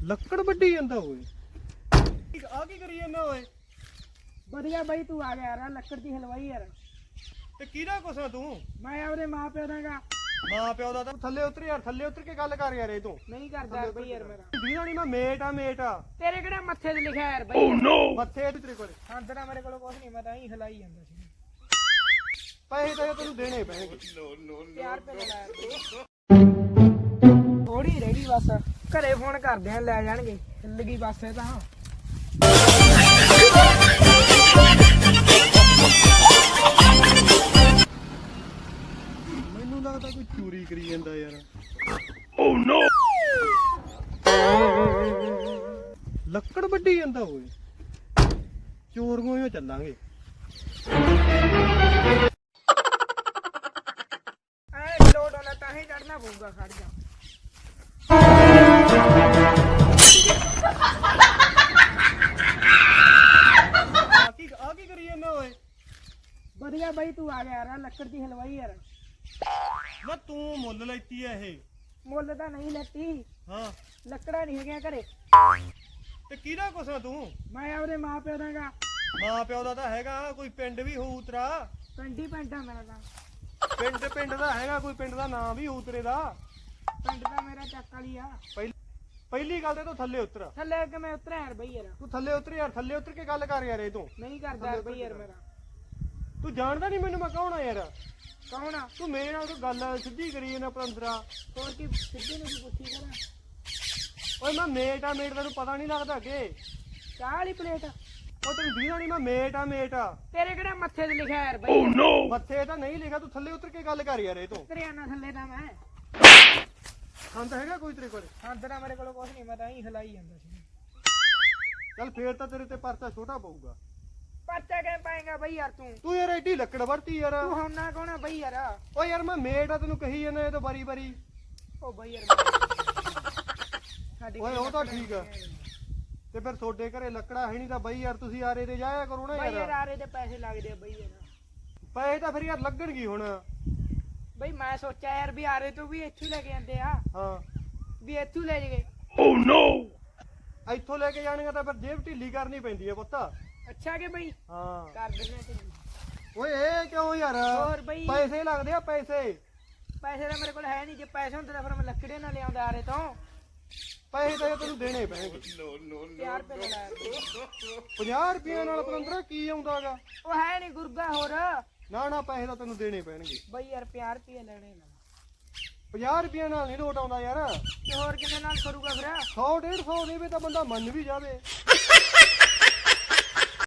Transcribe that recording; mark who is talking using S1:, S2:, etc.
S1: ਲੱਕੜ ਵੱਢੀ ਜਾਂਦਾ ਓਏ। ਆ ਕੀ ਕਰੀ ਜਾਂਦਾ ਓਏ?
S2: ਵਧੀਆ ਬਾਈ ਤੂੰ ਆ ਗਿਆ ਯਾਰ ਲੱਕੜ ਦੀ ਹਲਵਾਈ ਯਾਰ।
S1: ਤੇ ਕਿਹਦਾ ਕੁਛ ਤੂੰ?
S2: ਮੈਂ ਆਪਦੇ ਮਾਂ ਪਿਓ ਦਾਗਾ।
S1: ਮਾਂ ਪਿਓ ਦਾ ਤਾਂ ਥੱਲੇ ਉਤਰ ਯਾਰ, ਥੱਲੇ ਉਤਰ ਕੇ ਗੱਲ ਕਰ ਯਾਰ। ਇਹ ਤੂੰ
S2: ਨਹੀਂ ਕਰਦਾ ਬਈ ਯਾਰ ਮੇਰਾ।
S1: ਦੀਨਾ ਨਹੀਂ, ਮੈਂ ਮੇਟ ਆ ਮੇਟ ਆ।
S2: ਤੇਰੇ ਕਿਹੜਾ ਮੱਥੇ ਤੇ ਲਿਖਿਆ ਯਾਰ ਬਈ?
S1: ਮੱਥੇ ਤੇ ਤੇਰੇ ਕੋਲੇ
S2: ਹਾਂਦਰਾ ਮੇਰੇ ਕੋਲ ਕੁਝ ਨਹੀਂ, ਮੈਂ ਤਾਂ ਹੀ ਹਲਾਈ ਜਾਂਦਾ ਸੀ।
S1: ਪੈਸੇ ਤਾਂ ਤੈਨੂੰ ਦੇਣੇ ਪੈਣਗੇ।
S2: ਪਿਆਰ ਪੇ ਲਾਇਆ ਥੋੜੀ ਰਹਿ ਗਈ ਬਸ, ਘਰੇ ਫੋਨ ਕਰਦੇ ਆ ਲੈ ਜਾਣਗੇ। ਹਿੱਲ ਗਈ ਬਸ ਇਹ ਤਾਂ।
S1: ਮੈਨੂੰ ਲੱਗਦਾ ਕੋਈ ਚੋਰੀ ਕਰੀ ਜਾਂਦਾ ਯਾਰ। ਲੱਕੜ ਵੱਢੀ ਜਾਂਦਾ ਓਏ। ਚੋਰੀਆਂ ਹੀ ਚੱਲਾਂਗੇ।
S2: ਐ ਲੋਡ ਹੋਣਾ ਤਾਂ ਹੀ ਚੜਨਾ ਪਊਗਾ, ਖੜ ਜਾ।
S1: ਆ ਕੀ ਕਰੀ ਜਾਂਦਾ ਓਏ?
S2: ਵਧੀਆ ਬਾਈ ਤੂੰ ਆ ਗਿਆ ਯਾਰ ਲੱਕੜ ਦੀ ਹਲਵਾਈ ਯਾਰ।
S1: ਮੈਂ ਤੂੰ ਮੁੱਲ ਲੈਤੀ ਐ ਇਹ?
S2: ਮੁੱਲ ਤਾਂ ਨਹੀਂ ਲੈਤੀ,
S1: ਹਾਂ।
S2: ਲੱਕੜਾਂ ਨਹੀਂ ਹੈਗੀਆਂ ਘਰੇ।
S1: ਤੇ ਕਿਹਦਾ ਕੁਛ ਆ ਤੂੰ?
S2: ਮੈਂ ਆਪਦੇ ਮਾਂ ਪਿਓ ਦਾਗਾ।
S1: ਮਾਂ ਪਿਓ ਦਾ ਤਾਂ ਹੈਗਾ, ਕੋਈ ਪਿੰਡ ਵੀ ਹੋਊ ਤੇਰਾ।
S2: ਪਿੰਡੀ ਪਿੰਡ ਆ ਮੇਰਾ ਤਾਂ।
S1: ਪਿੰਡ ਦਾ ਹੈਗਾ, ਕੋਈ ਪਿੰਡ ਦਾ ਨਾਂ ਵੀ ਹੋਊ ਤੇਰੇ ਦਾ।
S2: ਪਿੰਡ ਤਾਂ ਮੇਰਾ ਚੱਕ ਵਾਲੀ ਆ।
S1: ਪਹਿਲੀ ਗੱਲ ਤੇ ਤੂੰ ਥੱਲੇ ਉਤਰ।
S2: ਥੱਲੇ ਕਿ ਮੈਂ ਉਤਰਿਆ ਯਾਰ ਬਈ ਯਾਰ।
S1: ਤੂੰ ਥੱਲੇ ਉਤਰ ਯਾਰ, ਥੱਲੇ ਉਤਰ ਕੇ ਗੱਲ ਕਰ ਯਾਰ। ਇਹ ਤੂੰ
S2: ਨਹੀਂ ਕਰਦਾ ਬਈ ਯਾਰ ਮੇਰਾ।
S1: ਤੂੰ ਜਾਣਦਾ ਨਹੀਂ ਮੈਨੂੰ, ਮੈਂ ਕੌਣ ਆ ਯਾਰ?
S2: ਕੌਣ ਆ
S1: ਤੂੰ ਮੇਰੇ ਨਾਲ ਕੋਈ ਗੱਲ ਸਿੱਧੀ ਕਰੀ ਜਾਂਦਾ ਪੰਦਰਾ।
S2: ਹੋਰ ਕੀ ਸਿੱਧੀ ਨੂੰ ਪੁੱਛੀ ਕਰਾਂ?
S1: ਓਏ ਮੈਂ ਮੇਟ ਆ ਮੇਟ, ਤੈਨੂੰ ਪਤਾ ਨਹੀਂ ਲੱਗਦਾ ਕਿ?
S2: ਚਾਹ ਵਾਲੀ ਪਲੇਟ?
S1: ਉਹ ਤੈਨੂੰ ਦੀਨਾ ਨਹੀਂ, ਮੈਂ ਮੇਟ ਆ ਮੇਟ ਆ।
S2: ਤੇਰੇ ਕਿਹੜਾ ਮੱਥੇ ਤੇ ਲਿਖਿਆ ਯਾਰ ਬਈ?
S1: ਮੱਥੇ ਤਾਂ ਨਹੀਂ ਲਿਖਿਆ, ਤੂੰ ਥੱਲੇ ਉਤਰ ਕੇ ਗੱਲ ਕਰ ਯਾਰ। ਇਹ ਤੂੰ
S2: ਉਤਰਿਆ ਨਾ ਥੱਲੇ ਤਾਂ ਮੈਂ।
S1: ਸੰਦ ਹੈਗਾ ਕੋਈ ਤੇਰੇ ਕੋਲ?
S2: ਹਾਂਦਰਾ ਮੇਰੇ ਕੋਲ ਕੁਝ ਨਹੀਂ, ਮੈਂ ਤਾਂ ਹੀ ਹਲਾਈ ਜਾਂਦਾ ਸੀ।
S1: ਚੱਲ ਫੇਰ ਤਾਂ ਤੇਰੇ ਤੇ ਪਰਚਾ ਛੋਟਾ ਪਊਗਾ।
S2: ਪਰਚਾ ਕਿਵੇਂ ਪਾਏਗਾ ਬਈ ਯਾਰ ਤੂੰ?
S1: ਤੂੰ ਯਾਰ ਐਡੀ ਲੱਕੜ ਵਰਤੀ ਯਾਰ।
S2: ਤੂੰ ਹੁਣ ਨਾ ਕੌਣ ਆ ਬਈ ਯਾਰ?
S1: ਓ ਯਾਰ ਮੈਂ ਮੇਟ ਆ, ਤੈਨੂੰ ਕਹੀ ਜਾਂਦਾ ਇਹ ਤਾਂ ਬਾਰੀ ਬਾਰੀ।
S2: ਉਹ ਬਈ ਯਾਰ ਸਾਡੀ
S1: ਓਏ ਉਹ ਤਾਂ ਠੀਕ ਆ। ਤੇ ਫਿਰ ਤੁਹਾਡੇ ਘਰੇ ਲੱਕੜਾ ਹੈ ਨਹੀਂ ਤਾਂ ਬਈ ਯਾਰ ਤੁਸੀਂ ਆਰੇ ਤੇ ਜਾਇਆ ਕਰੋ ਨਾ
S2: ਬਈ ਯਾਰ।
S1: ਯਾਰ
S2: ਆਰੇ ਦੇ ਪੈਸੇ ਲੱਗਦੇ ਆ ਬਈ ਯਾਰ।
S1: ਪੈਸੇ ਤਾਂ ਫਿਰ ਯਾਰ ਲੱਗਣਗੇ ਹੁਣ।
S2: ਬਈ ਮੈਂ ਸੋਚਿਆ ਯਾਰ ਵੀ ਆਰੇ ਤੋਂ ਵੀ ਇੱਥੋਂ ਲੈ ਕੇ ਜਾਂਦੇ ਆ,
S1: ਹਾਂ।
S2: ਵੀ ਇੱਥੋਂ ਲੈ ਜਗੇ।
S1: ਇੱਥੋਂ ਲੈ ਕੇ ਜਾਣਗੇ ਤਾਂ ਫਿਰ ਜੇਬ ਢਿੱਲੀ ਕਰਨੀ ਪੈਂਦੀ ਹੈ ਪੁੱਤ।
S2: ਅੱਛਾ ਕਿ ਬਈ
S1: ਹਾਂ।
S2: ਕਰ ਦਿੰਦੇ ਤੇ।
S1: ਓਏ ਇਹ ਕਿਉਂ ਯਾਰ?
S2: ਹੋਰ ਬਈ
S1: ਪੈਸੇ ਲੱਗਦੇ ਆ ਪੈਸੇ।
S2: ਪੈਸੇ ਤਾਂ ਮੇਰੇ ਕੋਲ ਹੈ ਨਹੀਂ। ਜੇ ਪੈਸੇ ਹੁੰਦੇ ਤਾਂ ਫਿਰ ਮੈਂ ਲੱਕੜੇ ਨਾਲ ਲਿਆਉਂਦਾ ਆਰੇ ਤੋਂ।
S1: ਪੈਸੇ ਤਾਂ ਤੈਨੂੰ ਦੇਣੇ ਪੈਣਗੇ।
S2: 50 ਰੁਪਏ ਦਾ ਲਾਇਆ।
S1: 50 ਰੁਪਏ ਨਾਲ ਪਤੰਦਰਾ ਕੀ ਆਉਂਦਾਗਾ?
S2: ਉਹ ਹੈ ਨਹੀਂ ਗੁਰਗਾ ਹੋਰ।
S1: ਨਾ ਪੈਸੇ ਤਾਂ ਤੈਨੂੰ ਦੇਣੇ ਪੈਣਗੇ
S2: ਬਈ ਯਾਰ 50 ਰੁਪਏ ਲੈਣੇ ਨਾ।
S1: 50 ਰੁਪਏ ਨਾਲ ਨਹੀਂ ਲੋਟ ਆਉਂਦਾ ਯਾਰ।
S2: ਤੇ ਹੋਰ ਕਿੰਨੇ ਨਾਲ ਕਰੂਗਾ ਫਿਰ?
S1: 100 150 ਦੇਵੇ ਤਾਂ ਬੰਦਾ ਮੰਨ ਵੀ ਜਾਵੇ।